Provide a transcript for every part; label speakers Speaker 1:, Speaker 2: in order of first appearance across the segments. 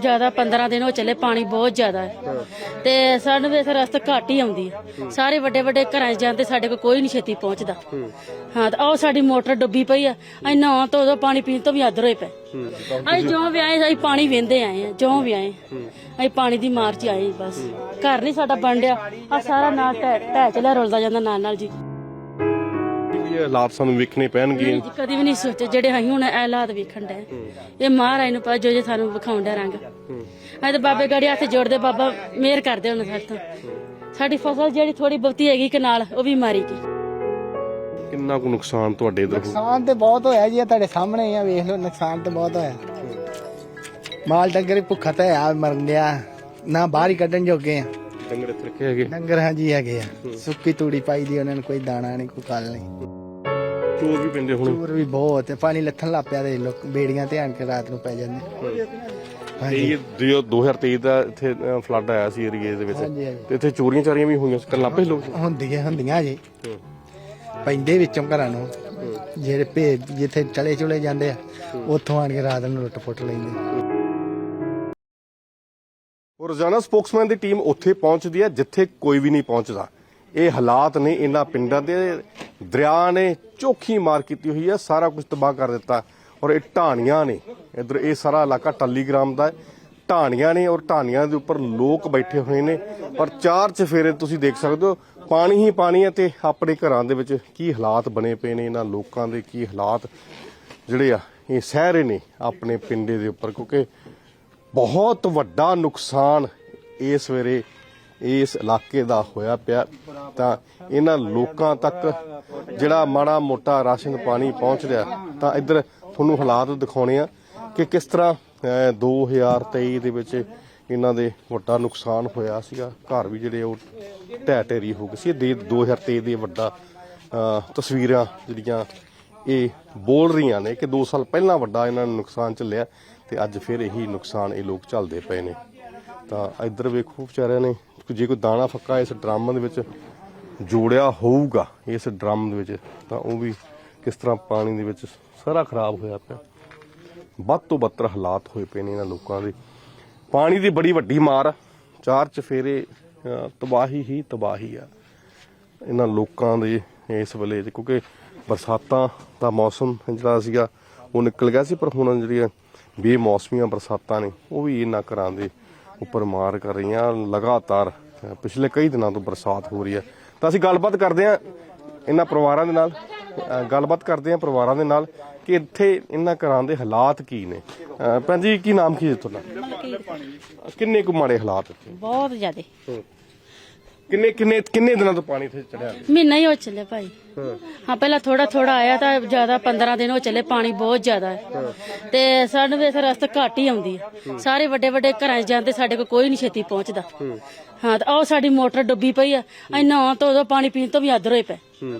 Speaker 1: ਜ਼ਿਆਦਾ 15 ਦਿਨ ਹੋ ਚੱਲੇ, ਪਾਣੀ ਬਹੁਤ ਜ਼ਿਆਦਾ ਹੈ ਤੇ ਸਾਨੂੰ ਵੀ ਇੱਥੇ ਰਸਤਾ ਘੱਟ ਹੀ ਆਉਂਦੀ ਹੈ। ਸਾਰੇ ਵੱਡੇ ਵੱਡੇ ਘਰਾਂ 'ਚ ਜਾਂਦੇ, ਸਾਡੇ ਕੋਲ ਕੋਈ ਨਹੀਂ ਛੇਤੀ ਪਹੁੰਚਦਾ। ਹਾਂ ਤੇ ਆਹ ਸਾਡੀ ਮੋਟਰ ਡੁੱਬੀ ਪਈ ਆ, ਅਸੀਂ ਨਹਾਉਣ ਤੋਂ ਉਦੋਂ ਪਾਣੀ ਪੀਣ ਤੋਂ ਵੀ ਆਦਰ ਹੋਏ ਪਏ। ਅਸੀਂ ਜਿਉਂ ਵੀ ਆਏ ਅਸੀਂ ਪਾਣੀ ਵਹਿੰਦੇ ਆਏ ਆ, ਜਿਉਂ ਵੀ ਆਏ ਅਸੀਂ ਪਾਣੀ ਦੀ ਮਾਰ 'ਚ ਆਏ। ਬਸ ਘਰ ਨਹੀਂ ਸਾਡਾ ਬਣ ਡਿਆ, ਆ ਸਾਰਾ ਨਾਲ ਢਹਿ ਚਲਿਆ, ਰੁਲਦਾ ਜਾਂਦਾ ਨਾਲ ਨਾਲ ਜੀ।
Speaker 2: ਇਹ ਹਾਲਾਤ ਸਾਨੂੰ ਵੇਖਣੇ ਪੈਣਗੇ।
Speaker 1: ਕਦੀ ਵੀ ਨਹੀਂ ਸੋਚੇ ਜਿਹੜੇ ਅਸੀਂ ਹੁਣ ਇਹ ਹਾਲਾਤ ਵੇਖਣ ਡਏ। ਇਹ ਮਹਾਰਾਜ ਨੂੰ ਪਤਾ ਜੋ ਸਾਨੂੰ ਵਿਖਾਉਣ ਡਿਆ ਰੰਗ। ਅਸੀਂ ਤਾਂ ਬਾਬੇ ਗਾੜੀ ਹੱਥ ਜੋੜਦੇ, ਬਾਬਾ ਮਿਹਰ ਕਰਦੇ ਹੁਣ ਸਾਡੇ ਤੋਂ। ਸਾਡੀ ਫਸਲ ਜਿਹੜੀ ਥੋੜੀ ਬਹੁਤੀ ਹੈਗੀ ਕਨਾਲ, ਉਹ ਵੀ ਮਾਰੀ ਗਈ।
Speaker 2: ਕਿੰਨਾ ਕੁ ਨੁਕਸਾਨ ਤੁਹਾਡੇ ਇਧਰ?
Speaker 3: ਨੁਕਸਾਨ ਤੇ ਬਹੁਤ ਹੋਇਆ ਜੀ, ਤੁਹਾਡੇ ਸਾਹਮਣੇ ਆ, ਵੇਖ ਲਓ ਨੁਕਸਾਨ ਤੇ ਬਹੁਤ ਹੋਇਆ। ਮਾਲ ਡੰਗਰ ਭੁੱਖਾ ਤਾਂ ਆ, ਮਰਨ ਡਿਆ, ਨਾ ਬਾਹਰ ਹੀ ਕੱਢਣ ਜੋਗੇ ਆ।
Speaker 2: ਡੰਗਰ ਇੱਥੇ ਰੱਖੇ ਹੈਗੇ?
Speaker 3: ਡੰਗਰ ਹਾਂਜੀ ਹੈਗੇ ਆ, ਸੁੱਕੀ ਤੂੜੀ ਪਾਈ ਦੀ ਉਹਨਾਂ ਨੂੰ, ਕੋਈ ਦਾਣਾ ਨਹੀਂ, ਕੋਈ ਕੱਲ ਨਹੀਂ।
Speaker 2: ਚੋਰ ਵੀ ਪੈਂਦੇ ਹੁਣ?
Speaker 3: ਚੋਰ ਵੀ ਬਹੁਤ ਹੈ, ਪਾਣੀ ਲੱਥਣ ਲੱਗ ਪਿਆ ਤੇ ਲੋਕ ਬੇੜੀਆਂ ਤੇ ਆਣ ਕੇ ਰਾਤ ਨੂੰ ਪੈ ਜਾਂਦੇ।
Speaker 2: ਇਹ 2023 ਦਾ ਇੱਥੇ ਫਲੱਡ ਆਇਆ ਸੀ ਏਰੀਏ ਦੇ ਵਿੱਚ, ਤੇ ਇੱਥੇ ਚੋਰੀਆਂ ਚਾਰੀਆਂ ਵੀ ਹੋਈਆਂ ਕਰਨ ਲੱਗ ਪਏ ਲੋਕ?
Speaker 3: ਹੁੰਦੀਆਂ ਜੀ, ਪੈਂਦੇ ਵਿੱਚੋਂ ਘਰਾਂ ਨੂੰ, ਜਿਹੜੇ ਭੇਜ ਜਿੱਥੇ ਚਲੇ ਚੁਲੇ ਜਾਂਦੇ ਆ, ਉੱਥੋਂ ਆਣ ਕੇ ਰਾਤ ਨੂੰ ਲੁੱਟ ਪੁੱਟ ਲੈਂਦੇ।
Speaker 2: ਰੋਜ਼ਾਨਾ ਸਪੋਕਸਮੈਨ ਦੀ ਟੀਮ ਉੱਥੇ ਪਹੁੰਚਦੀ ਹੈ ਜਿੱਥੇ ਕੋਈ ਵੀ ਨਹੀਂ ਪਹੁੰਚਦਾ। ਇਹ ਹਾਲਾਤ ਨੇ ਇਹਨਾਂ ਪਿੰਡਾਂ ਦੇ। ਦਰਿਆ ਨੇ ਚੋਖੀ ਮਾਰ ਕੀਤੀ ਹੋਈ ਹੈ, ਸਾਰਾ ਕੁਝ ਤਬਾਹ ਕਰ ਦਿੱਤਾ। ਔਰ ਇਹ ਢਾਣੀਆਂ ਨੇ, ਇਧਰ ਇਹ ਸਾਰਾ ਇਲਾਕਾ ਟੱਲੀਗ੍ਰਾਮ ਦਾ ਹੈ, ਢਾਣੀਆਂ ਨੇ, ਔਰ ਢਾਣੀਆਂ ਦੇ ਉੱਪਰ ਲੋਕ ਬੈਠੇ ਹੋਏ ਨੇ। ਔਰ ਚਾਰ ਚਫੇਰੇ ਤੁਸੀਂ ਦੇਖ ਸਕਦੇ ਹੋ, ਪਾਣੀ ਹੀ ਪਾਣੀ ਹੈ। ਤੇ ਆਪਣੇ ਘਰਾਂ ਦੇ ਵਿੱਚ ਕੀ ਹਾਲਾਤ ਬਣੇ ਪਏ ਨੇ, ਇਹਨਾਂ ਲੋਕਾਂ ਦੇ ਕੀ ਹਾਲਾਤ ਜਿਹੜੇ ਆ ਇਹ ਸਹਿ ਰਹੇ ਨੇ ਆਪਣੇ ਪਿੰਡੇ ਦੇ ਉੱਪਰ, ਕਿਉਂਕਿ ਬਹੁਤ ਵੱਡਾ ਨੁਕਸਾਨ ਇਸ ਵੇਲੇ ਇਸ ਇਲਾਕੇ ਦਾ ਹੋਇਆ ਪਿਆ। ਤਾਂ ਇਹਨਾਂ ਲੋਕਾਂ ਤੱਕ ਜਿਹੜਾ ਮਾੜਾ ਮੋਟਾ ਰਾਸ਼ਨ ਪਾਣੀ ਪਹੁੰਚ ਰਿਹਾ, ਤਾਂ ਇੱਧਰ ਤੁਹਾਨੂੰ ਹਾਲਾਤ ਦਿਖਾਉਣੇ ਆ ਕਿ ਕਿਸ ਤਰ੍ਹਾਂ 2023 ਦੇ ਵਿੱਚ ਇਹਨਾਂ ਦੇ ਵੱਡਾ ਨੁਕਸਾਨ ਹੋਇਆ ਸੀਗਾ। ਘਰ ਵੀ ਜਿਹੜੇ ਉਹ ਢਹਿ ਢੇਰੀ ਹੋ ਗਏ ਸੀ। 2023 ਦੇ ਵੱਡਾ ਤਸਵੀਰਾਂ ਜਿਹੜੀਆਂ ਇਹ ਬੋਲ ਰਹੀਆਂ ਨੇ ਕਿ 2 ਸਾਲ ਪਹਿਲਾਂ ਵੱਡਾ ਇਹਨਾਂ ਨੂੰ ਨੁਕਸਾਨ ਝੱਲਿਆ, ਤੇ ਅੱਜ ਫਿਰ ਇਹੀ ਨੁਕਸਾਨ ਇਹ ਲੋਕ ਝੱਲਦੇ ਪਏ ਨੇ। ਤਾਂ ਇੱਧਰ ਵੇਖੋ ਵਿਚਾਰਿਆਂ ਨੇ, ਜੇ ਕੋਈ ਦਾਣਾ ਫੱਕਾ ਇਸ ਡਰਮ ਦੇ ਵਿੱਚ ਜੋੜਿਆ ਹੋਊਗਾ ਇਸ ਡਰਮ ਦੇ ਵਿੱਚ, ਤਾਂ ਉਹ ਵੀ ਕਿਸ ਤਰ੍ਹਾਂ ਪਾਣੀ ਦੇ ਵਿੱਚ ਸਾਰਾ ਖਰਾਬ ਹੋਇਆ ਪਿਆ। ਵੱਧ ਤੋਂ ਬੱਤਰ ਹਾਲਾਤ ਹੋਏ ਪਏ ਨੇ ਇਹਨਾਂ ਲੋਕਾਂ ਦੇ। ਪਾਣੀ ਦੀ ਬੜੀ ਵੱਡੀ ਮਾਰ, ਚਾਰ ਚਫੇਰੇ ਤਬਾਹੀ ਹੀ ਤਬਾਹੀ ਆ ਇਹਨਾਂ ਲੋਕਾਂ ਦੇ ਇਸ ਵੇਲੇ, ਕਿਉਂਕਿ ਬਰਸਾਤਾਂ ਦਾ ਮੌਸਮ ਜਿਹੜਾ ਸੀਗਾ ਉਹ ਨਿਕਲ ਗਿਆ ਸੀ, ਪਰ ਹੁਣ ਜਿਹੜੀਆਂ ਬੇਮੌਸਮੀਆਂ ਬਰਸਾਤਾਂ ਨੇ ਉਹ ਵੀ ਇਹਨਾਂ ਘਰਾਂ ਦੇ ਉੱਪਰ ਮਾਰ ਕਰ ਰਹੀਆਂ। ਲਗਾਤਾਰ ਪਿਛਲੇ ਕਈ ਦਿਨਾਂ ਤੋਂ ਬਰਸਾਤ ਹੋ ਰਹੀ ਹੈ। ਤਾਂ ਅਸੀਂ ਗੱਲਬਾਤ ਕਰਦੇ ਹਾਂ ਇਹਨਾਂ ਪਰਿਵਾਰਾਂ ਦੇ ਨਾਲ, ਪਰਿਵਾਰਾਂ ਦੇ ਨਾਲ ਕਿ ਇੱਥੇ ਇਹਨਾਂ ਘਰਾਂ ਦੇ ਹਾਲਾਤ ਕੀ ਨੇ। ਭੈਣ ਜੀ, ਕੀ ਨਾਮ ਕੀ ਹੈ ਤੁਹਾਡਾ? ਕਿੰਨੇ ਕੁ ਮਾੜੇ ਹਾਲਾਤ ਇੱਥੇ?
Speaker 1: ਬਹੁਤ ਜ਼ਿਆਦੇ।
Speaker 2: ਕਿੰਨੇ ਦਿਨਾਂ ਤੋਂ ਪਾਣੀ ਇੱਥੇ ਚੜਿਆ?
Speaker 1: ਮਹੀਨਾ ਹੀ ਹੋ ਚੱਲੇ ਭਾਈ। ਹਾਂ ਪਹਿਲਾਂ ਥੋੜਾ ਥੋੜਾ ਆਇਆ, ਤਾਂ ਜ਼ਿਆਦਾ 15 ਦਿਨ ਹੋ ਚੱਲੇ, ਪਾਣੀ ਬਹੁਤ ਜ਼ਿਆਦਾ ਹੈ ਤੇ ਸਾਨੂੰ ਵੀ ਇੱਥੇ ਰਸਤਾ ਘੱਟ ਹੀ ਆਉਂਦੀ ਹੈ। ਸਾਰੇ ਵੱਡੇ ਵੱਡੇ ਘਰਾਂ 'ਚ ਜਾਂਦੇ, ਸਾਡੇ ਕੋਲ ਕੋਈ ਨਹੀਂ ਛੇਤੀ ਪਹੁੰਚਦਾ। ਹਾਂ ਤੇ ਆਹ ਸਾਡੀ ਮੋਟਰ ਡੁੱਬੀ ਪਈ ਆ, ਅਸੀਂ ਨਹਾਉਣ ਤੋਂ ਉਦੋਂ ਪਾਣੀ ਪੀਣ ਤੋਂ ਵੀ ਆਦਰ ਹੋਏ ਪਏ।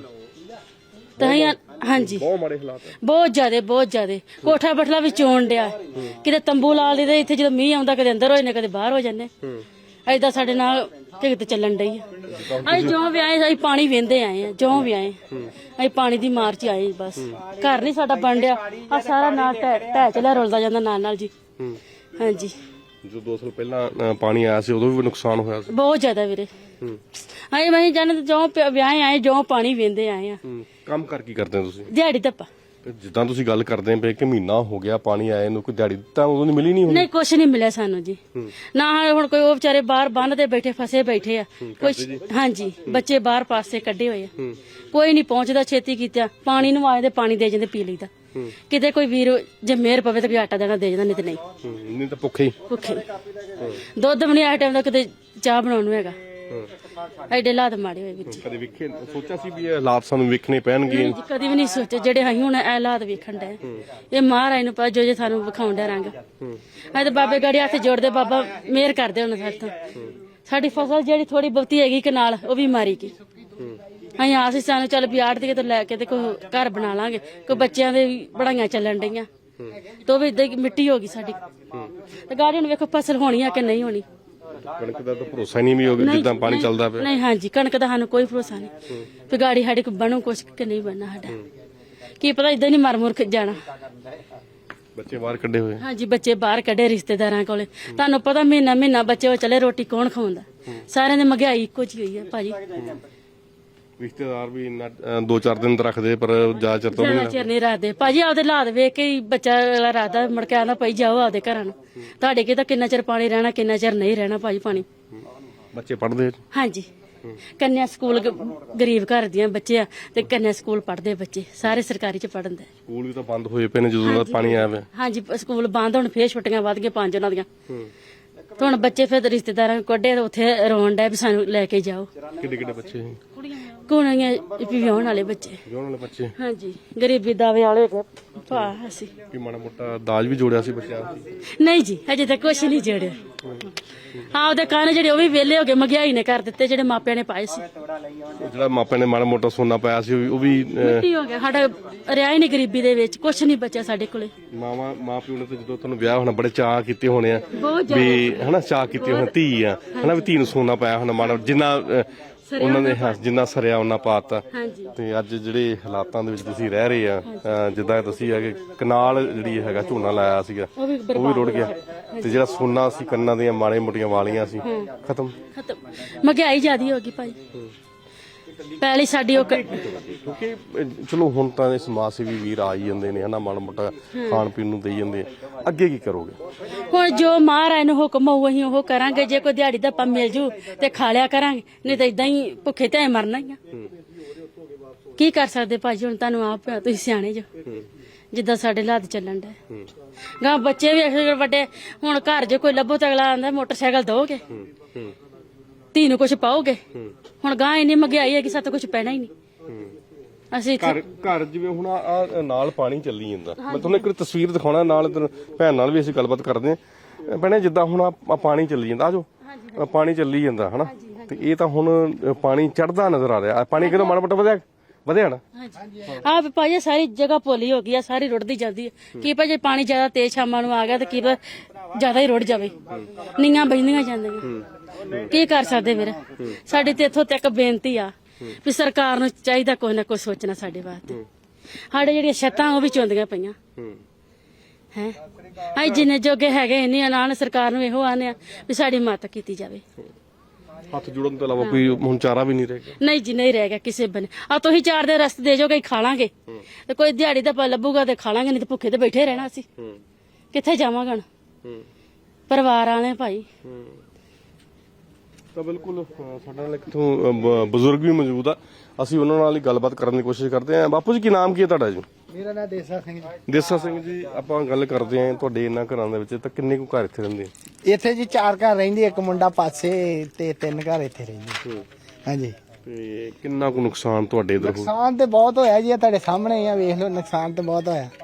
Speaker 1: ਹਾਂਜੀ
Speaker 2: ਬਹੁਤ ਮਾੜੇ ਹਾਲਾਤ,
Speaker 1: ਬਹੁਤ ਜ਼ਿਆਦੇ। ਕੋਠਾ ਬਠਲਾ ਵੀ ਚੋਣ ਡਿਆ, ਕਿਤੇ ਤੰਬੂ ਲਾ ਲਈਦੇ ਇੱਥੇ, ਜਦੋਂ ਮੀਂਹ ਆਉਂਦਾ ਕਦੇ ਅੰਦਰ ਹੋ ਜਾਂਦੇ, ਕਦੇ ਬਾਹਰ ਹੋ ਜਾਂਦੇ। ਏਦਾਂ ਸਾਡੇ ਨਾਲ ਢਿੱਗਤ ਚੱਲਣ ਡਈ ਆ। ਅਸੀਂ ਜਿਉਂ ਵੀ ਆਏ ਅਸੀਂ ਪਾਣੀ ਵਹਿੰਦੇ ਆਏ ਆ, ਜਿਉਂ ਵੀ ਆਏ ਅਸੀਂ ਪਾਣੀ ਦੀ ਮਾਰ 'ਚ ਆਏ। ਬਸ ਘਰ ਨਹੀਂ ਸਾਡਾ ਬਣ ਡਿਆ, ਆ ਸਾਰਾ ਨਾਲ ਢਹਿ ਚਲਿਆ, ਰੁਲਦਾ ਜਾਂਦਾ ਨਾਲ ਨਾਲ ਜੀ। ਹਾਂਜੀ,
Speaker 2: ਜੋ 2 ਸਾਲ ਪਹਿਲਾਂ ਪਾਣੀ ਆਇਆ ਸੀ ਉਦੋਂ ਵੀ ਨੁਕਸਾਨ ਹੋਇਆ ਸੀ
Speaker 1: ਬਹੁਤ ਜ਼ਿਆਦਾ ਵੀਰੇ। ਅਸੀਂ ਜਾਣੇ ਜਿਉਂ ਵਿਆਹ ਆਏ, ਜਿਉਂ ਪਾਣੀ ਵਹਿੰਦੇ ਆਏ ਆ।
Speaker 2: ਕੰਮ ਕਰ ਕੀ ਕਰਦੇ ਹੋ ਤੁਸੀਂ?
Speaker 1: ਦਿਹਾੜੀ ਧੱਪਾ।
Speaker 2: ਜਿੱਦਾਂ ਤੁਸੀਂ ਗੱਲ ਕਰਦੇ ਪਏ ਕਿ ਮਹੀਨਾ ਹੋ ਗਿਆ ਪਾਣੀ ਆਏ ਨੂੰ, ਕੋਈ ਦਿਹਾੜੀ ਤਾਂ ਉਦੋਂ ਨਹੀਂ ਮਿਲੀ?
Speaker 1: ਨਹੀਂ ਕੁਛ ਨਹੀਂ ਮਿਲਿਆ ਸਾਨੂੰ ਜੀ। ਨਾ ਹੁਣ ਕੋਈ ਉਹ ਵਿਚਾਰੇ ਬਾਹਰ ਬੰਨ ਤੇ ਬੈਠੇ ਫਸੇ ਬੈਠੇ ਆ, ਕੋਈ ਹਾਂਜੀ ਬੱਚੇ ਬਾਹਰ ਪਾਸੇ ਕੱਢੇ ਹੋਏ ਆ, ਕੋਈ ਨਹੀਂ ਪਹੁੰਚਦਾ ਛੇਤੀ ਕੀਤਾ। ਪਾਣੀ ਨੂੰ ਆਏ ਤੇ ਪਾਣੀ ਦੇ ਜਾਂਦੇ, ਪੀ ਲਈਦਾ। ਕਿਤੇ ਕੋਈ ਵੀਰ ਜੇ ਮਿਹਰ ਪਵੇ ਤਾਂ ਕੋਈ ਆਟਾ ਦੇਣਾ ਦੇ ਜਾਂਦਾ, ਨਹੀਂ ਤੇ
Speaker 2: ਨਹੀਂ ਤਾਂ ਭੁੱਖੇ
Speaker 1: ਦੁੱਧ ਵੀ ਨਹੀਂ ਆ ਟਾਈਮ ਦਾ, ਕਿਤੇ ਚਾਹ ਬਣਾਉਣ ਨੂੰ ਹੈਗਾ। ਐਡੇ ਹਾਲਾਤ ਮਾੜੇ ਹੋਏ ਵਿੱਚ।
Speaker 2: ਕਦੇ ਵੇਖੇ ਸੋਚਿਆ ਸੀ ਵੀ ਇਹ ਹਾਲਾਤ ਸਾਨੂੰ ਵੇਖਣੇ ਪੈਣਗੇ?
Speaker 1: ਕਦੀ ਵੀ ਨਹੀਂ ਸੋਚੇ ਜਿਹੜੇ ਅਸੀਂ ਹੁਣ ਇਹ ਹਾਲਾਤ ਵੇਖਣ ਡਏ। ਇਹ ਮਹਾਰਾਜ ਨੂੰ ਪਤਾ ਜੋ ਸਾਨੂੰ ਵਿਖਾਉਣ ਡਿਆ ਰੰਗ। ਅਸੀਂ ਤਾਂ ਬਾਬੇ ਗਾੜੀ ਹੱਥ ਜੋੜਦੇ, ਬਾਬਾ ਮਿਹਰ ਕਰਦੇ ਹੁਣ ਸਾਡੇ ਤੋਂ। ਸਾਡੀ ਫਸਲ ਜਿਹੜੀ ਥੋੜੀ ਬਹੁਤੀ ਹੈਗੀ ਕਨਾਲ, ਉਹ ਵੀ ਮਾਰੀ ਗਈ। ਅਸੀਂ ਆਸ ਸੀ ਸਾਨੂੰ ਚੱਲ ਵੀ ਆੜ ਦੀ ਲੈ ਕੇ ਤੇ ਕੋਈ ਘਰ ਬਣਾ ਲਾਂਗੇ, ਕੋਈ ਬੱਚਿਆਂ ਦੇ ਪੜਾਈਆਂ ਚੱਲਣ ਡਈਆਂ, ਤੇ ਉਹ ਵੀ ਇਦਾਂ ਮਿੱਟੀ ਹੋ ਗਈ ਸਾਡੀ। ਤੇ ਗਾੜੀ ਨੂੰ ਵੇਖੋ ਫਸਲ ਹੋਣੀ ਆ ਕਿ ਨਹੀਂ ਹੋਣੀ।
Speaker 2: ਕਣਕ ਦਾ ਤਾਂ ਭਰੋਸਾ ਨਹੀਂ ਵੀ ਹੋਗਾ ਜਿੱਦਾਂ ਪਾਣੀ ਚੱਲਦਾ ਪਿਆ।
Speaker 1: ਨਹੀਂ ਹਾਂਜੀ, ਕਣਕ ਦਾ ਸਾਨੂੰ ਕੋਈ ਭਰੋਸਾ ਨਹੀਂ ਵੀ ਗਾੜੀ ਸਾਡੇ ਕੋਲ ਬਣੂ ਕੁਛ ਕਿ ਨਹੀਂ ਬਣਨਾ। ਸਾਡਾ ਕੀ ਪਤਾ, ਇਦਾਂ ਨਹੀਂ ਮਰ ਮੁਰ ਜਾਣਾ।
Speaker 2: ਬੱਚੇ ਬਾਹਰ ਕੱਢੇ ਹੋਏ।
Speaker 1: ਹਾਂਜੀ ਬੱਚੇ ਬਾਹਰ ਕੱਢੇ ਰਿਸ਼ਤੇਦਾਰਾਂ ਕੋਲੇ। ਤੁਹਾਨੂੰ ਪਤਾ ਮਹੀਨਾ ਮਹੀਨਾ ਬੱਚੇ ਉਹ ਚਲੇ, ਰੋਟੀ ਕੌਣ ਖਾਉਂਦਾ? ਸਾਰਿਆਂ ਦੀ ਮਹਿੰਗਾਈ ਇੱਕੋ ਜਿਹੀ ਹੋਈ ਹੈ ਭਾਜੀ।
Speaker 2: ਰਿਸ਼ਤੇਦਾਰ ਵੀ 2-4 ਦਿਨ ਤਾਂ ਰੱਖਦੇ, ਪਰ ਜ਼ਿਆਦਾ ਚਿਰ ਤੋਂ ਵੀ
Speaker 1: ਜ਼ਿਆਦਾ ਚਿਰ ਨਹੀਂ ਰੱਖਦੇ ਭਾਜੀ। ਆਪਦੇ ਹਾਲਾਤ ਵੇਖ ਕੇ ਹੀ ਬੱਚਾ ਅਗਲਾ ਰੱਖਦਾ, ਮੁੜ ਕੇ ਆਉਂਦਾ ਭਾਈ ਜਾਓ ਆਪਦੇ ਘਰਾਂ ਨੂੰ। ਤੁਹਾਡੇ ਕੀ ਤਾਂ ਕਿੰਨਾ ਚਿਰ ਪਾਣੀ ਰਹਿਣਾ, ਕਿੰਨਾ ਚਿਰ ਨਹੀਂ ਰਹਿਣਾ ਭਾਜੀ ਪਾਣੀ।
Speaker 2: ਬੱਚੇ ਪੜ੍ਹਦੇ।
Speaker 1: ਹਾਂਜੀ ਕੰਨਿਆ ਸਕੂਲ ਗਰੀਬ ਘਰ ਦੀਆਂ ਬੱਚੇ ਆ ਤੇ ਕੰਨਿਆ ਸਕੂਲ ਪੜ੍ਹਦੇ ਬੱਚੇ ਸਾਰੇ ਸਰਕਾਰੀ ਚ ਪੜ੍ਹਨ ਦੇ।
Speaker 2: ਸਕੂਲ ਵੀ ਤਾਂ ਬੰਦ ਹੋਏ ਪਏ ਨੇ ਜਦੋਂ ਦਾ ਪਾਣੀ ਆਇਆ ਵਾ।
Speaker 1: ਹਾਂਜੀ ਸਕੂਲ ਬੰਦ, ਹੁਣ ਫੇਰ ਛੁੱਟੀਆਂ ਵੱਧ ਗਈਆਂ 5 ਉਹਨਾਂ ਦੀਆਂ। ਤੇ ਹੁਣ ਬੱਚੇ ਫਿਰ ਰਿਸ਼ਤੇਦਾਰਾਂ ਨੂੰ ਕੱਢੇ, ਉੱਥੇ ਰੋਣ ਡੈ ਵੀ ਸਾਨੂੰ ਲੈ ਕੇ ਜਾਓ।
Speaker 2: ਕਿੱਡੇ ਕਿੱਡੇ ਬੱਚੇ?
Speaker 1: ਕੁੜੀਆਂ ਵਿਆਹਣ ਵਾਲੇ ਬੱਚੇ।
Speaker 2: ਵਿਆਹਣ ਵਾਲੇ ਬੱਚੇ।
Speaker 1: ਹਾਂਜੀ ਗਰੀਬੀ ਦਾਵੇ ਵਾਲੇ ਭਾ ਅਸੀਂ।
Speaker 2: ਕੀ ਮਾੜਾ ਮੋਟਾ ਦਾਜ ਵੀ ਜੋੜਿਆ ਸੀ ਬੱਚਿਆਂ ਦਾ?
Speaker 1: ਨਹੀਂ ਜੀ ਹਜੇ ਤੱਕ ਕੁਛ ਨਹੀਂ ਜੜਿਆ। ਹਾਂ ਉਹਦੇ ਕਾਰਨ ਜਿਹੜੇ ਉਹ ਵੀ ਵਿਹਲੇ ਹੋ ਗਏ, ਮਹਿੰਗਾਈ ਨੇ ਕਰ ਦਿੱਤੇ ਜਿਹੜੇ ਮਾਪਿਆਂ ਨੇ ਪਾਏ ਸੀ।
Speaker 2: ਜਿਹੜਾ ਮਾਪਿਆਂ ਨੇ ਮਾੜਾ ਮੋਟਾ ਸੋਨਾ ਪਾਇਆ ਸੀ ਉਹ ਵੀ
Speaker 1: ਮਿੱਟੀ ਹੋ ਗਿਆ। ਸਾਡਾ ਰਿਹਾ ਹੀ ਨਹੀਂ ਗਰੀਬੀ ਦੇ ਵਿੱਚ, ਕੁਛ ਨਹੀਂ ਬਚਿਆ ਸਾਡੇ ਕੋਲੇ।
Speaker 2: ਮਾਂ ਪਿਓ ਨੇ ਤਾਂ ਜਦੋਂ ਤੁਹਾਨੂੰ ਵਿਆਹ ਹੋਣਾ ਬੜੇ ਚਾਅ ਕੀਤੇ ਹੋਣੇ ਆ
Speaker 1: ਬਹੁਤ
Speaker 2: ਵੀ ਹਨਾ, ਚਾਅ ਕੀਤੇ ਹੋਣੇ ਧੀ ਆ ਹਨਾ, ਵੀ ਧੀ ਨੂੰ ਸੋਨਾ ਪਾਇਆ ਹੋਣਾ ਮਾੜਾ ਜਿੰਨਾ ਉਹਨਾਂ ਨੇ ਜਿੰਨਾ ਸਰਿਆ ਉਹਨਾਂ ਪਾਤਾ।
Speaker 1: ਹਾਂਜੀ
Speaker 2: ਤੇ ਅੱਜ ਜਿਹੜੇ ਹਾਲਾਤਾਂ ਦੇ ਵਿੱਚ ਤੁਸੀਂ ਰਹਿ ਰਹੇ ਆ, ਜਿੱਦਾਂ ਤੁਸੀਂ ਹੈਗੇ ਕਨਾਲ ਜਿਹੜੀ ਹੈਗਾ ਝੋਨਾ ਲਾਇਆ ਸੀਗਾ ਉਹ ਵੀ ਰੁੜ ਗਿਆ, ਤੇ ਜਿਹੜਾ ਸੋਨਾ ਸੀ ਕੰਨਾਂ ਦੀਆਂ ਮਾੜੇ ਮੋਟੀਆਂ ਵਾਲੀਆਂ ਸੀ ਖਤਮ।
Speaker 1: ਮਹਿੰਗਾਈ ਜ਼ਿਆਦੀ ਹੋ ਗਈ ਭਾਈ। ਪਹਿਲੀ ਸਾਡੀ ਉਹ
Speaker 2: ਕਿਉਂਕਿ ਚਲੋ ਹੁਣ ਤਾਂ ਸਮਾਜ ਸੇਵੀ ਵੀਰ ਆ ਹੀ ਜਾਂਦੇ ਨੇ ਹਨਾ, ਮਾੜਾ ਮੋਟਾ ਖਾਣ ਪੀਣ ਨੂੰ ਦੇਈ ਜਾਂਦੇ ਆ। ਅੱਗੇ ਕੀ ਕਰੋਗੇ?
Speaker 1: ਹੁਣ ਜੋ ਮਹਾਰਾਜ ਨੂੰ ਹੁਕਮ ਹੋਊ ਅਸੀਂ ਉਹ ਕਰਾਂਗੇ। ਜੇ ਕੋਈ ਦਿਹਾੜੀ ਦਾ ਮਿਲ ਜੂ ਤੇ ਖਾ ਲਿਆ ਕਰਾਂਗੇ, ਨਹੀਂ ਤਾਂ ਇਦਾਂ ਹੀ ਭੁੱਖੇ ਤੇ ਮਰਨਾ ਹੀ ਆ। ਕੀ ਕਰ ਸਕਦੇ ਭਾਜੀ? ਹੁਣ ਤੁਹਾਨੂੰ ਆਪ ਤੁਸੀਂ ਸਿਆਣੇ ਜੋ, ਜਿੱਦਾਂ ਸਾਡੇ ਹਾਲਾਤ ਚੱਲਣ ਦੇ। ਗਾਂ ਬੱਚੇ ਵੀ ਵੱਡੇ, ਹੁਣ ਘਰ ਜੇ ਕੋਈ ਲੱਭੋ ਤਾਂ ਅਗਲਾ ਆਂਦਾ ਮੋਟਰਸਾਈਕਲ ਦੋਗੇ, ਧੀ ਨੂੰ ਕੁਛ ਪਾਓਗੇ। ਹੁਣ ਗਾਂ ਇੰਨੀ ਮਹਿੰਗਾਈ ਹੈ ਕਿ ਸਾਤੋਂ ਕੁਛ ਪੈਣਾ ਹੀ ਨਹੀਂ। ਅਸੀਂ
Speaker 2: ਘਰ ਜਿਵੇਂ ਹੁਣ ਆ ਨਾਲ ਪਾਣੀ ਚੱਲੀ ਜਾਂਦਾ, ਮੈਂ ਤੁਹਾਨੂੰ ਇੱਕ ਤਸਵੀਰ ਦਿਖਾਉਣਾ, ਨਾਲ ਭੈਣ ਨਾਲ ਵੀ ਅਸੀਂ ਗੱਲਬਾਤ ਕਰਦੇ ਹਾਂ। ਭੈਣੇ ਜਿੱਦਾਂ ਹੁਣ ਆ ਪਾਣੀ ਚੱਲੀ ਜਾਂਦਾ, ਆਜੋ ਪਾਣੀ ਚੱਲੀ ਜਾਂਦਾ ਹਨਾ, ਤੇ ਇਹ ਤਾਂ ਹੁਣ ਪਾਣੀ ਚੜਦਾ ਨਜ਼ਰ ਆ ਰਿਹਾ। ਪਾਣੀ ਕਿਦੋਂ ਮਾੜਾ ਮੋਟਾ ਵਧਿਆ ਨਾ।
Speaker 1: ਆ ਭਾਜੀ ਸਾਰੀ ਜਗ੍ਹਾ ਪੋਲੀ ਹੋ ਗਈ ਆ, ਸਾਰੀ ਰੁੜਦੀ ਜਾਂਦੀ ਹੈ। ਕੀ ਭਾਜੀ ਪਾਣੀ ਜ਼ਿਆਦਾ ਤੇਜ਼ ਸ਼ਾਮਾਂ ਨੂੰ ਆ ਗਿਆ ਤੇ ਕੀ ਜ਼ਿਆਦਾ ਹੀ ਰੁੜ ਜਾਵੇ, ਨੀਆਂ ਬਜਦੀਆਂ ਜਾਂਦੀਆਂ। ਕੀ ਕਰ ਸਕਦੇ ਵੀਰ? ਸਾਡੀ ਤੇ ਇੱਥੋਂ ਤੱਕ ਬੇਨਤੀ ਆ ਵੀ ਸਰਕਾਰ ਨੂੰ ਚਾਹੀਦਾ ਕੋਈ ਨਾ ਕੋਈ ਸੋਚਣਾ ਸਾਡੇ ਵਾਸਤੇ। ਸਾਡੇ ਜਿਹੜੀਆਂ ਛੱਤਾਂ ਉਹ ਵੀ ਚੁੰਦੀਆਂ ਪਈਆਂ ਹੈ। ਅਸੀਂ ਜਿੰਨੇ ਜੋਗੇ ਹੈਗੇ ਇੰਨੇ ਨਾਲ ਸਰਕਾਰ ਨੂੰ ਇਹੋ ਆਨੇ ਆ ਵੀ ਸਾਡੀ ਮਦਦ ਕੀਤੀ ਜਾਵੇ।
Speaker 2: ਹੱਥ ਜੋੜਨ ਤੋਂ ਇਲਾਵਾ ਕੋਈ ਹੁਣ ਚਾਰਾ ਵੀ ਨਹੀਂ ਰਹਿ ਗਿਆ।
Speaker 1: ਨਹੀਂ ਜੀ ਨਹੀਂ ਰਹਿ ਗਿਆ ਕਿਸੇ ਬਨੇ। ਆ ਤੁਸੀਂ 4 ਦੇ ਰਸਤੇ ਦੇ ਜੋਗੇ ਖਾ ਲਾਂਗੇ, ਤੇ ਕੋਈ ਦਿਹਾੜੀ ਦਾ ਲੱਭੂਗਾ ਤੇ ਖਾ ਲਾਂਗੇ, ਨਹੀਂ ਤੇ ਭੁੱਖੇ ਤੇ ਬੈਠੇ ਰਹਿਣਾ ਅਸੀਂ। ਕਿੱਥੇ ਜਾਵਾਂਗੇ ਹੁਣ? ਪਰਿਵਾਰ ਆਲੇ ਭਾਈ।
Speaker 2: ਤਾਂ ਬਿਲਕੁਲ ਸਾਡੇ ਨਾਲ ਇੱਥੋਂ ਬਜ਼ੁਰਗ ਵੀ ਮੌਜੂਦ ਆ, ਅਸੀਂ ਉਹਨਾਂ ਨਾਲ ਹੀ ਗੱਲਬਾਤ ਕਰਨ ਦੀ ਕੋਸ਼ਿਸ਼ ਕਰਦੇ ਹਾਂ। ਬਾਪੂ ਜੀ ਕੀ ਨਾਮ ਕੀ ਹੈ ਤੁਹਾਡਾ ਜੀ?
Speaker 3: ਮੇਰਾ ਨਾਮ ਦੇਸਾ ਸਿੰਘ ਜੀ।
Speaker 2: ਦੇਸਾ ਸਿੰਘ ਜੀ, ਆਪਾਂ ਗੱਲ ਕਰਦੇ ਹਾਂ ਤੁਹਾਡੇ ਇਹਨਾਂ ਘਰਾਂ ਦੇ ਵਿੱਚ ਤਾਂ ਕਿੰਨੇ ਕੁ ਘਰ ਇੱਥੇ ਰਹਿੰਦੇ?
Speaker 3: ਇੱਥੇ ਜੀ 4 ਘਰ ਰਹਿੰਦੇ, ਇੱਕ ਮੁੰਡਾ ਪਾਸੇ ਤੇ 3 ਘਰ ਇੱਥੇ ਰਹਿੰਦੇ। ਹਾਂਜੀ।
Speaker 2: ਤੇ ਕਿੰਨਾ ਕੁ ਨੁਕਸਾਨ ਤੁਹਾਡੇ ਇਧਰ?
Speaker 3: ਨੁਕਸਾਨ ਤੇ ਬਹੁਤ ਹੋਇਆ ਜੀ, ਤੁਹਾਡੇ ਸਾਹਮਣੇ ਆ, ਵੇਖ ਲਓ ਨੁਕਸਾਨ ਤੇ ਬਹੁਤ ਹੋਇਆ।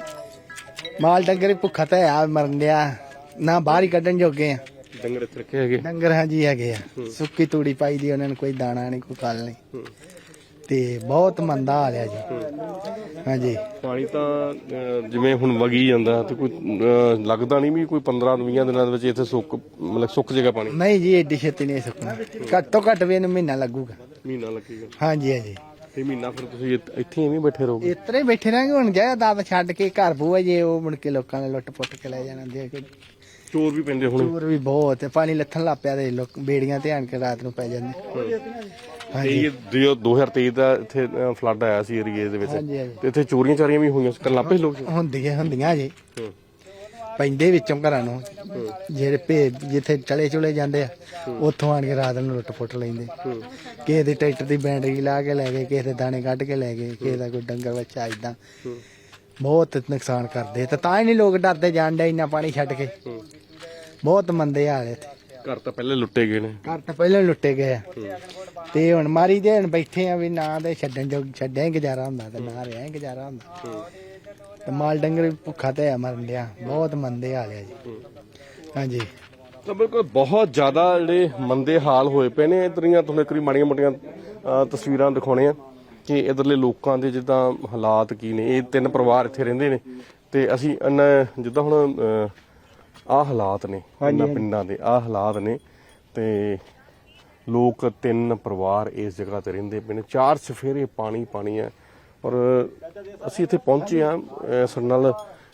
Speaker 3: ਮਾਲ ਡੰਗਰ ਵੀ ਭੁੱਖਾ ਤੇ ਆ ਮਰਨ ਡਿਆ, ਨਾ ਬਾਹਰ ਹੀ ਕੱਢਣ ਜੋਗੇ ਆ।
Speaker 2: ਡੰਗਰ ਇੱਥੇ ਰੱਖੇ ਹੈਗੇ?
Speaker 3: ਡੰਗਰ ਹਾਂਜੀ ਹੈਗੇ ਆ, ਸੁੱਕੀ ਤੂੜੀ ਪਾਈ ਦੀ ਉਹਨਾਂ ਨੂੰ, ਕੋਈ ਦਾਣਾ ਨਹੀਂ ਕੋਈ ਕੱਲ ਨਹੀਂ, ਤੇ ਬਹੁਤ ਮੰਦਾ ਹਾਲ ਆ ਜੀ। ਹਾਂਜੀ
Speaker 2: ਪਾਣੀ ਤਾਂ ਜਿਵੇਂ ਹੁਣ ਵਗੀ ਜਾਂਦਾ ਤੇ ਕੋਈ ਲੱਗਦਾ ਨਹੀਂ ਵੀ ਕੋਈ 15-20 ਦਿਨਾਂ ਦੇ ਵਿੱਚ ਇੱਥੇ ਸੁੱਕ ਜਾਏਗਾ ਪਾਣੀ?
Speaker 3: ਨਹੀਂ ਜੀ ਏਡੀ ਛੇਤੀ ਨਹੀਂ ਸੁੱਕਣਾ, ਘੱਟ ਤੋਂ ਘੱਟ ਵੀ ਇਹਨੂੰ ਮਹੀਨਾ ਲੱਗੂਗਾ।
Speaker 2: ਮਹੀਨਾ ਲੱਗੇਗਾ?
Speaker 3: ਹਾਂਜੀ ਹਾਂਜੀ।
Speaker 2: ਤੇ ਮਹੀਨਾ ਫਿਰ ਤੁਸੀਂ ਇੱਥੇ ਐਵੇਂ ਬੈਠੇ ਰਹੋਗੇ?
Speaker 3: ਇਤਰੇ ਹੀ ਬੈਠੇ ਰਹਾਂਗੇ। ਹੁਣ ਜਾਇਦਾਦ ਛੱਡ ਕੇ ਘਰ ਬੂਆ ਜੇ ਉਹ ਮੁੜ ਕੇ ਲੋਕਾਂ ਨੇ ਲੁੱਟ ਪੁੱਟ ਕੇ ਲੈ ਜਾਣਾ। ਦੇ
Speaker 2: ਚੋਰ ਵੀ ਪੈਂਦੇ ਹੁਣ?
Speaker 3: ਚੋਰ ਵੀ ਬਹੁਤ, ਪਾਣੀ ਲੱਥਣ ਲੱਗ ਪਿਆ ਤੇ ਲੋਕ ਬੇੜੀਆਂ ਤੇ ਆਣ ਕੇ ਰਾਤ ਨੂੰ ਪੈ ਜਾਂਦੇ।
Speaker 2: ਹਾਂਜੀ। 2023 ਦਾ ਇੱਥੇ ਫਲੱਡ ਆਇਆ ਸੀ ਏਰੀਏ ਦੇ ਵਿੱਚ, ਤੇ ਇੱਥੇ ਚੋਰੀਆਂ ਚਾਰੀਆਂ ਵੀ ਹੋਈਆਂ ਕਰਨ ਲੱਗ ਪਏ ਲੋਕ?
Speaker 3: ਹੁੰਦੀਆਂ ਜੀ, ਪੈਂਦੇ ਵਿੱਚੋਂ ਘਰਾਂ ਨੂੰ, ਜਿਹੜੇ ਜਿੱਥੇ ਚਲੇ ਚੁਲੇ ਜਾਂਦੇ ਆ ਉੱਥੋਂ ਆਣ ਕੇ ਰਾਤ ਨੂੰ ਲੁੱਟ ਪੁੱਟ ਲੈਂਦੇ। ਕਿਸੇ ਦੇ ਟਰੈਕਟਰ ਦੀ ਬੈਟਰੀ ਲਾ ਕੇ ਲੈ ਗਏ, ਕਿਸੇ ਦੇ ਦਾਣੇ ਕੱਢ ਕੇ ਲੈ ਗਏ, ਕਿਸੇ ਦਾ ਕੋਈ ਡੰਗਰ ਬੱਚਾ ਏਦਾਂ ਬਹੁਤ ਨੁਕਸਾਨ ਕਰਦੇ। ਤਾਂ ਹੀ ਨਹੀਂ ਲੋਕ ਡਰਦੇ ਜਾਣ ਡੇ ਇੰਨਾ ਪਾਣੀ ਛੱਡ ਕੇ। ਬਹੁਤ ਮੰਦੇ ਹਾਲ ਇੱਥੇ।
Speaker 2: ਘਰ ਤਾਂ ਪਹਿਲੇ ਲੁੱਟੇ ਗਏ ਨੇ?
Speaker 3: ਘਰ ਤਾਂ ਪਹਿਲਾਂ ਲੁੱਟੇ ਗਏ ਆ, ਤੇ ਹੁਣ ਮਾਰੀ ਦੇ ਹੁਣ ਬੈਠੇ ਆ ਵੀ ਨਾ ਤੇ ਛੱਡਿਆ ਹੀ ਗੁਜ਼ਾਰਾ ਹੁੰਦਾ ਤੇ ਨਾ ਰਿਹਾ ਹੀ ਗੁਜ਼ਾਰਾ ਹੁੰਦਾ। ਤੇ ਮਾਲ ਡੰਗਰ ਵੀ ਭੁੱਖਾ ਤੇ ਆ ਮਰਨ ਡਿਆ, ਬਹੁਤ ਮੰਦੇ ਹਾਲ ਆ ਜੀ। ਹਾਂਜੀ।
Speaker 2: ਤਾਂ ਬਿਲਕੁਲ ਬਹੁਤ ਜ਼ਿਆਦਾ ਜਿਹੜੇ ਮੰਦੇ ਹਾਲ ਹੋਏ ਪਏ ਨੇ। ਇਧਰੀਆਂ ਤੁਹਾਨੂੰ ਇੱਕ ਵਾਰੀ ਮਾੜੀਆਂ ਮੋਟੀਆਂ ਤਸਵੀਰਾਂ ਦਿਖਾਉਣੇ ਆ ਕਿ ਇਧਰਲੇ ਲੋਕਾਂ ਦੇ ਜਿੱਦਾਂ ਹਾਲਾਤ ਕੀ ਨੇ। ਇਹ 3 ਪਰਿਵਾਰ ਇੱਥੇ ਰਹਿੰਦੇ ਨੇ, ਤੇ ਅਸੀਂ ਜਿੱਦਾਂ ਹੁਣ ਆਹ ਹਾਲਾਤ ਨੇ ਇਹਨਾਂ ਪਿੰਡਾਂ ਦੇ, ਆਹ ਹਾਲਾਤ ਨੇ, ਤੇ ਲੋਕ 3 ਪਰਿਵਾਰ ਇਸ ਜਗ੍ਹਾ ਤੇ ਰਹਿੰਦੇ ਪਏ ਨੇ। 4 ਚੁਫੇਰੇ ਪਾਣੀ ਪਾਣੀ ਹੈ। ਔਰ ਅਸੀਂ ਇੱਥੇ ਪਹੁੰਚੇ ਆ, ਸਾਡੇ ਨਾਲ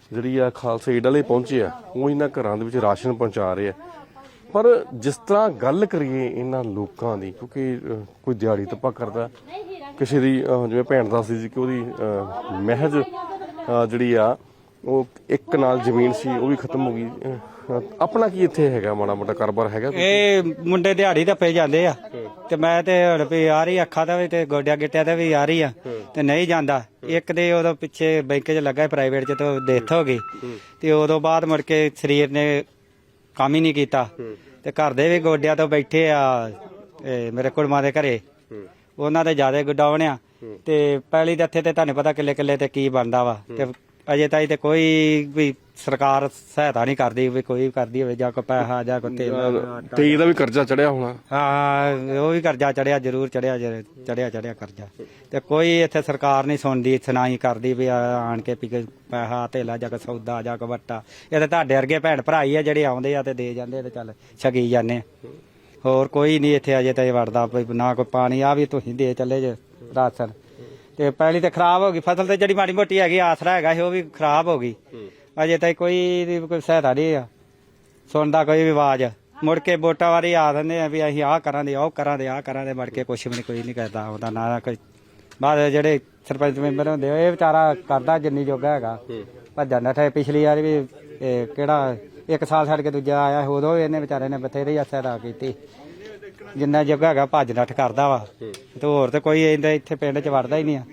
Speaker 2: ਜਿਹੜੀ ਆ ਖਾਲਸਾ ਏਡ ਵਾਲੇ ਪਹੁੰਚੇ ਆ, ਉਹ ਇਹਨਾਂ ਘਰਾਂ ਦੇ ਵਿੱਚ ਰਾਸ਼ਨ ਪਹੁੰਚਾ ਰਹੇ ਆ। ਪਰ ਜਿਸ ਤਰ੍ਹਾਂ ਗੱਲ ਕਰੀਏ ਇਹਨਾਂ ਲੋਕਾਂ ਦੀ, ਕਿਉਂਕਿ ਕੋਈ ਦਿਹਾੜੀ ਤੱਪਾ ਕਰਦਾ, ਕਿਸੇ ਦੀ ਜਿਵੇਂ ਭੈਣ ਦੱਸਦੀ ਸੀ ਕਿ ਉਹਦੀ ਮਹਿਜ ਜਿਹੜੀ ਆ ਉਹ ਇੱਕ ਨਾਲ ਜ਼ਮੀਨ ਸੀ, ਉਹ ਵੀ ਖਤਮ ਹੋ ਗਈ। ਆਪਣਾ ਕੀ ਇੱਥੇ ਹੈਗਾ, ਮਾੜਾ ਮੋਟਾ ਕਾਰੋਬਾਰ ਹੈਗਾ?
Speaker 4: ਇਹ ਮੁੰਡੇ ਦਿਹਾੜੀ ਧੱਪੇ ਜਾਂਦੇ ਆ ਤੇ ਮੈਂ ਤੇ ਹੁਣ ਵੀ ਆ ਰਹੀ ਅੱਖਾਂ ਦਾ ਵੀ ਤੇ ਗੋਡਿਆਂ ਗਿੱਟਿਆਂ ਦਾ ਵੀ ਆ ਰਹੀ ਆ ਤੇ ਨਹੀਂ ਜਾਂਦਾ। ਇੱਕ ਦੇ ਉਦੋਂ ਪਿੱਛੇ ਬੈਂਕ 'ਚ ਲੱਗਾ ਪ੍ਰਾਈਵੇਟ 'ਚ ਤੇ ਡੈਥ ਹੋ ਗਈ ਤੇ ਉਦੋਂ ਬਾਅਦ ਮੁੜ ਕੇ ਸਰੀਰ ਨੇ ਕੰਮ ਹੀ ਨਹੀਂ ਕੀਤਾ ਤੇ ਘਰ ਦੇ ਵੀ ਗੋਡਿਆਂ ਤੋਂ ਬੈਠੇ ਆ। ਮੇਰੇ ਕੁੜਮਾਂ ਦੇ ਘਰੇ ਉਹਨਾਂ ਦੇ ਜ਼ਿਆਦਾ ਗੁੱਡਾ ਬਣਿਆ ਤੇ ਪਹਿਲੀ ਦੇ ਇੱਥੇ ਤੇ ਤੁਹਾਨੂੰ ਪਤਾ ਕਿੱਲੇ ਕਿੱਲੇ ਤੇ ਕੀ ਬਣਦਾ ਵਾ ਤੇ ਅਜੇ ਤਾਈ ਤੇ ਕੋਈ ਵੀ ਸਰਕਾਰ ਸਹਾਇਤਾ ਨਹੀਂ ਕਰਦੀ ਵੀ ਕੋਈ ਕਰਦੀ ਹੋਵੇ ਜਾਂ ਕੋਈ ਪੈਸਾ ਜਾਂ ਕੋਈ ਤੇਲ
Speaker 2: ਤੇ ਇਹਦਾ ਵੀ ਕਰਜ਼ਾ ਚੜਿਆ ਹੋਣਾ।
Speaker 4: ਹਾਂ ਉਹ ਵੀ ਕਰਜ਼ਾ ਚੜਿਆ, ਜ਼ਰੂਰ ਚੜਿਆ ਕਰਜ਼ਾ ਤੇ ਕੋਈ ਇੱਥੇ ਸਰਕਾਰ ਨਹੀਂ ਸੁਣਦੀ, ਸੁਣਾਈ ਕਰਦੀ ਵੀ ਆਣ ਕੇ ਵੀ ਪੈਸਾ ਧੇਲਾ ਜਾਂ ਕੋਈ ਸੌਦਾ ਜਾਂ ਕੋਈ ਵੱਟਾ। ਇਹ ਤਾਂ ਤੁਹਾਡੇ ਵਰਗੇ ਭੈਣ ਭਰਾ ਹੀ ਆ ਜਿਹੜੇ ਆਉਂਦੇ ਆ ਤੇ ਦੇ ਜਾਂਦੇ ਤੇ ਚੱਲ ਛਕੀ ਜਾਂਦੇ। ਹੋਰ ਕੋਈ ਨਹੀਂ ਇੱਥੇ ਅਜੇ ਤਾਈ ਵੜਦਾ, ਨਾ ਕੋਈ ਪਾਣੀ ਆ ਵੀ ਤੁਸੀਂ ਦੇ ਚੱਲੇ ਜੇ ਰਾਸ਼ਨ ਤੇ ਪਹਿਲੀ ਤੇ ਖਰਾਬ ਹੋ ਗਈ ਫਸਲ ਤੇ ਜਿਹੜੀ ਮਾੜੀ ਮੋਟੀ ਹੈਗੀ ਆਸਰਾ ਹੈਗਾ ਸੀ ਉਹ ਵੀ ਖਰਾਬ ਹੋ ਗਈ। ਅਜੇ ਤਾਈ ਕੋਈ ਸਹਾਇਤਾ ਨਹੀਂ ਆ, ਸੁਣਦਾ ਕੋਈ ਵੀ ਆਵਾਜ਼। ਮੁੜ ਕੇ ਵੋਟਾਂ ਵਾਰੀ ਆ ਦਿੰਦੇ ਆ ਵੀ ਅਸੀਂ ਆਹ ਕਰਾਂਗੇ, ਉਹ ਕਰਾਂਗੇ, ਆਹ ਕਰਾਂਗੇ, ਮੁੜ ਕੇ ਕੁਛ ਵੀ ਨਹੀਂ, ਕੋਈ ਨਹੀਂ ਕਰਦਾ ਉਹਦਾ ਨਾ ਕੋਈ। ਬਾਅਦ ਜਿਹੜੇ ਸਰਪੰਚ ਮੈਂਬਰ ਹੁੰਦੇ ਇਹ ਵਿਚਾਰਾ ਕਰਦਾ ਜਿੰਨੀ ਜੋਗਾ ਹੈਗਾ, ਭੱਜਣ ਨੱਠੇ। ਪਿਛਲੀ ਵਾਰ ਵੀ ਕਿਹੜਾ ਇੱਕ ਸਾਲ ਛੱਡ ਕੇ ਦੂਜਾ ਆਇਆ, ਉਦੋਂ ਇਹਨੇ ਵਿਚਾਰੇ ਨੇ ਬਥੇਰੀ ਸਹਾਇਤਾ ਕੀਤੀ। ਜਿੰਨਾ ਜੋਗਾ ਹੈਗਾ ਭੱਜ ਨੱਠ ਕਰਦਾ ਵਾ ਤੇ ਹੋਰ ਤੇ ਕੋਈ ਇੱਥੇ ਪਿੰਡ 'ਚ ਵੜਦਾ ਹੀ ਨਹੀਂ ਆ।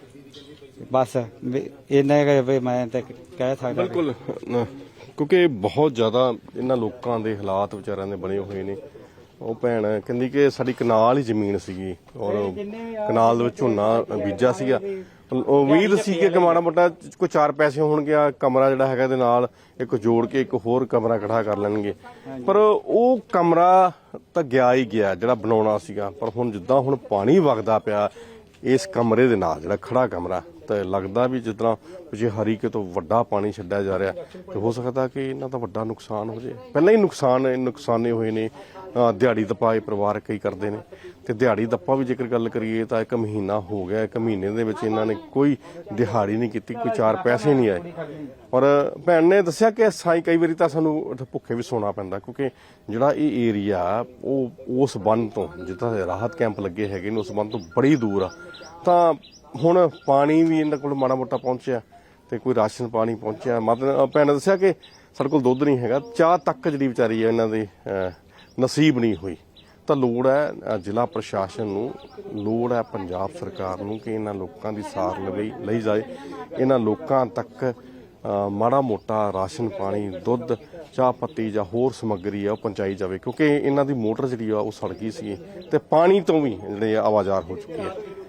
Speaker 4: ਬਸ ਇਹਨੇ ਮੈਂ ਤੇ ਕਹਿ ਸਕਦਾ।
Speaker 2: ਬਿਲਕੁਲ, ਕਿਉਂਕਿ ਬਹੁਤ ਜ਼ਿਆਦਾ ਇਹਨਾਂ ਲੋਕਾਂ ਦੇ ਹਾਲਾਤ ਵਿਚਾਰਿਆਂ ਦੇ ਬਣੇ ਹੋਏ ਨੇ। ਉਹ ਭੈਣ ਕਹਿੰਦੀ ਕਿ ਸਾਡੀ ਕਨਾਲ ਹੀ ਜ਼ਮੀਨ ਸੀਗੀ ਔਰ ਕਨਾਲ ਦੇ ਵਿੱਚ ਝੋਨਾ ਬੀਜਾ ਸੀਗਾ। ਉਮੀਦ ਸੀ ਕਿ ਮਾੜਾ ਮੋਟਾ ਕੋਈ 4 ਪੈਸੇ ਹੋਣਗੇ, ਕਮਰਾ ਜਿਹੜਾ ਹੈਗਾ ਇਹਦੇ ਨਾਲ ਇੱਕ ਜੋੜ ਕੇ ਇੱਕ ਹੋਰ ਕਮਰਾ ਇਕੱਠਾ ਕਰ ਲੈਣਗੇ। ਪਰ ਉਹ ਕਮਰਾ ਤਾਂ ਗਿਆ ਹੀ ਗਿਆ ਜਿਹੜਾ ਬਣਾਉਣਾ ਸੀਗਾ। ਪਰ ਹੁਣ ਜਿੱਦਾਂ ਹੁਣ ਪਾਣੀ ਵਗਦਾ ਪਿਆ ਇਸ ਕਮਰੇ ਦੇ ਨਾਲ, ਜਿਹੜਾ ਖੜਾ ਕਮਰਾ, ਤਾਂ ਲੱਗਦਾ ਵੀ ਜਿੱਦਾਂ ਪਿਛੇ ਹਰੀਕੇ ਤੋਂ ਵੱਡਾ ਪਾਣੀ ਛੱਡਿਆ ਜਾ ਰਿਹਾ ਤੇ ਹੋ ਸਕਦਾ ਕਿ ਇਹਨਾਂ ਦਾ ਵੱਡਾ ਨੁਕਸਾਨ ਹੋ ਜਾਏ। ਪਹਿਲਾਂ ਹੀ ਨੁਕਸਾਨੇ ਹੋਏ ਨੇ। ਦਿਹਾੜੀ ਦੱਪਾ ਇਹ ਪਰਿਵਾਰ ਕਈ ਕਰਦੇ ਨੇ ਤੇ ਦਿਹਾੜੀ ਦੱਪਾ ਵੀ ਜੇਕਰ ਗੱਲ ਕਰੀਏ ਤਾਂ 1 ਮਹੀਨਾ ਹੋ ਗਿਆ। 1 ਮਹੀਨੇ ਦੇ ਵਿੱਚ ਇਹਨਾਂ ਨੇ ਕੋਈ ਦਿਹਾੜੀ ਨਹੀਂ ਕੀਤੀ, ਕੋਈ 4 ਪੈਸੇ ਨਹੀਂ ਆਏ। ਔਰ ਭੈਣ ਨੇ ਦੱਸਿਆ ਕਿ ਸਾਈ ਕਈ ਵਾਰੀ ਤਾਂ ਸਾਨੂੰ ਭੁੱਖੇ ਵੀ ਸੌਣਾ ਪੈਂਦਾ, ਕਿਉਂਕਿ ਜਿਹੜਾ ਇਹ ਏਰੀਆ ਉਹ ਉਸ ਬੰਨ ਤੋਂ, ਜਿੱਦਾਂ ਰਾਹਤ ਕੈਂਪ ਲੱਗੇ ਹੈਗੇ ਨੇ, ਉਸ ਬੰਨ ਤੋਂ ਬੜੀ ਦੂਰ ਆ। ਤਾਂ ਹੁਣ ਪਾਣੀ ਵੀ ਇਹਨਾਂ ਕੋਲ ਮਾੜਾ ਮੋਟਾ ਪਹੁੰਚਿਆ ਤੇ ਕੋਈ ਰਾਸ਼ਨ ਪਾਣੀ ਪਹੁੰਚਿਆ। ਮਤਲਬ ਭੈਣ ਨੇ ਦੱਸਿਆ ਕਿ ਸਾਡੇ ਕੋਲ ਦੁੱਧ ਨਹੀਂ ਹੈਗਾ, ਚਾਹ ਤੱਕ ਜਿਹੜੀ ਵਿਚਾਰੀ ਹੈ ਇਹਨਾਂ ਦੀ ਨਸੀਬ ਨਹੀਂ ਹੋਈ। ਤਾਂ ਲੋੜ ਹੈ ਜ਼ਿਲ੍ਹਾ ਪ੍ਰਸ਼ਾਸਨ ਨੂੰ, ਲੋੜ ਹੈ ਪੰਜਾਬ ਸਰਕਾਰ ਨੂੰ ਕਿ ਇਹਨਾਂ ਲੋਕਾਂ ਦੀ ਸਾਰ ਲਈ ਜਾਏ। ਇਹਨਾਂ ਲੋਕਾਂ ਤੱਕ ਮਾੜਾ ਮੋਟਾ ਰਾਸ਼ਨ ਪਾਣੀ, ਦੁੱਧ, ਚਾਹ ਪੱਤੀ ਜਾਂ ਹੋਰ ਸਮੱਗਰੀ ਆ ਉਹ ਪਹੁੰਚਾਈ ਜਾਵੇ, ਕਿਉਂਕਿ ਇਹਨਾਂ ਦੀ ਮੋਟਰ ਜਿਹੜੀ ਆ ਉਹ ਸੜ ਗਈ ਸੀ ਤੇ ਪਾਣੀ ਤੋਂ ਵੀ ਜਿਹੜੇ ਆਵਾਜ਼ਾਰ ਹੋ ਚੁੱਕੀ ਹੈ।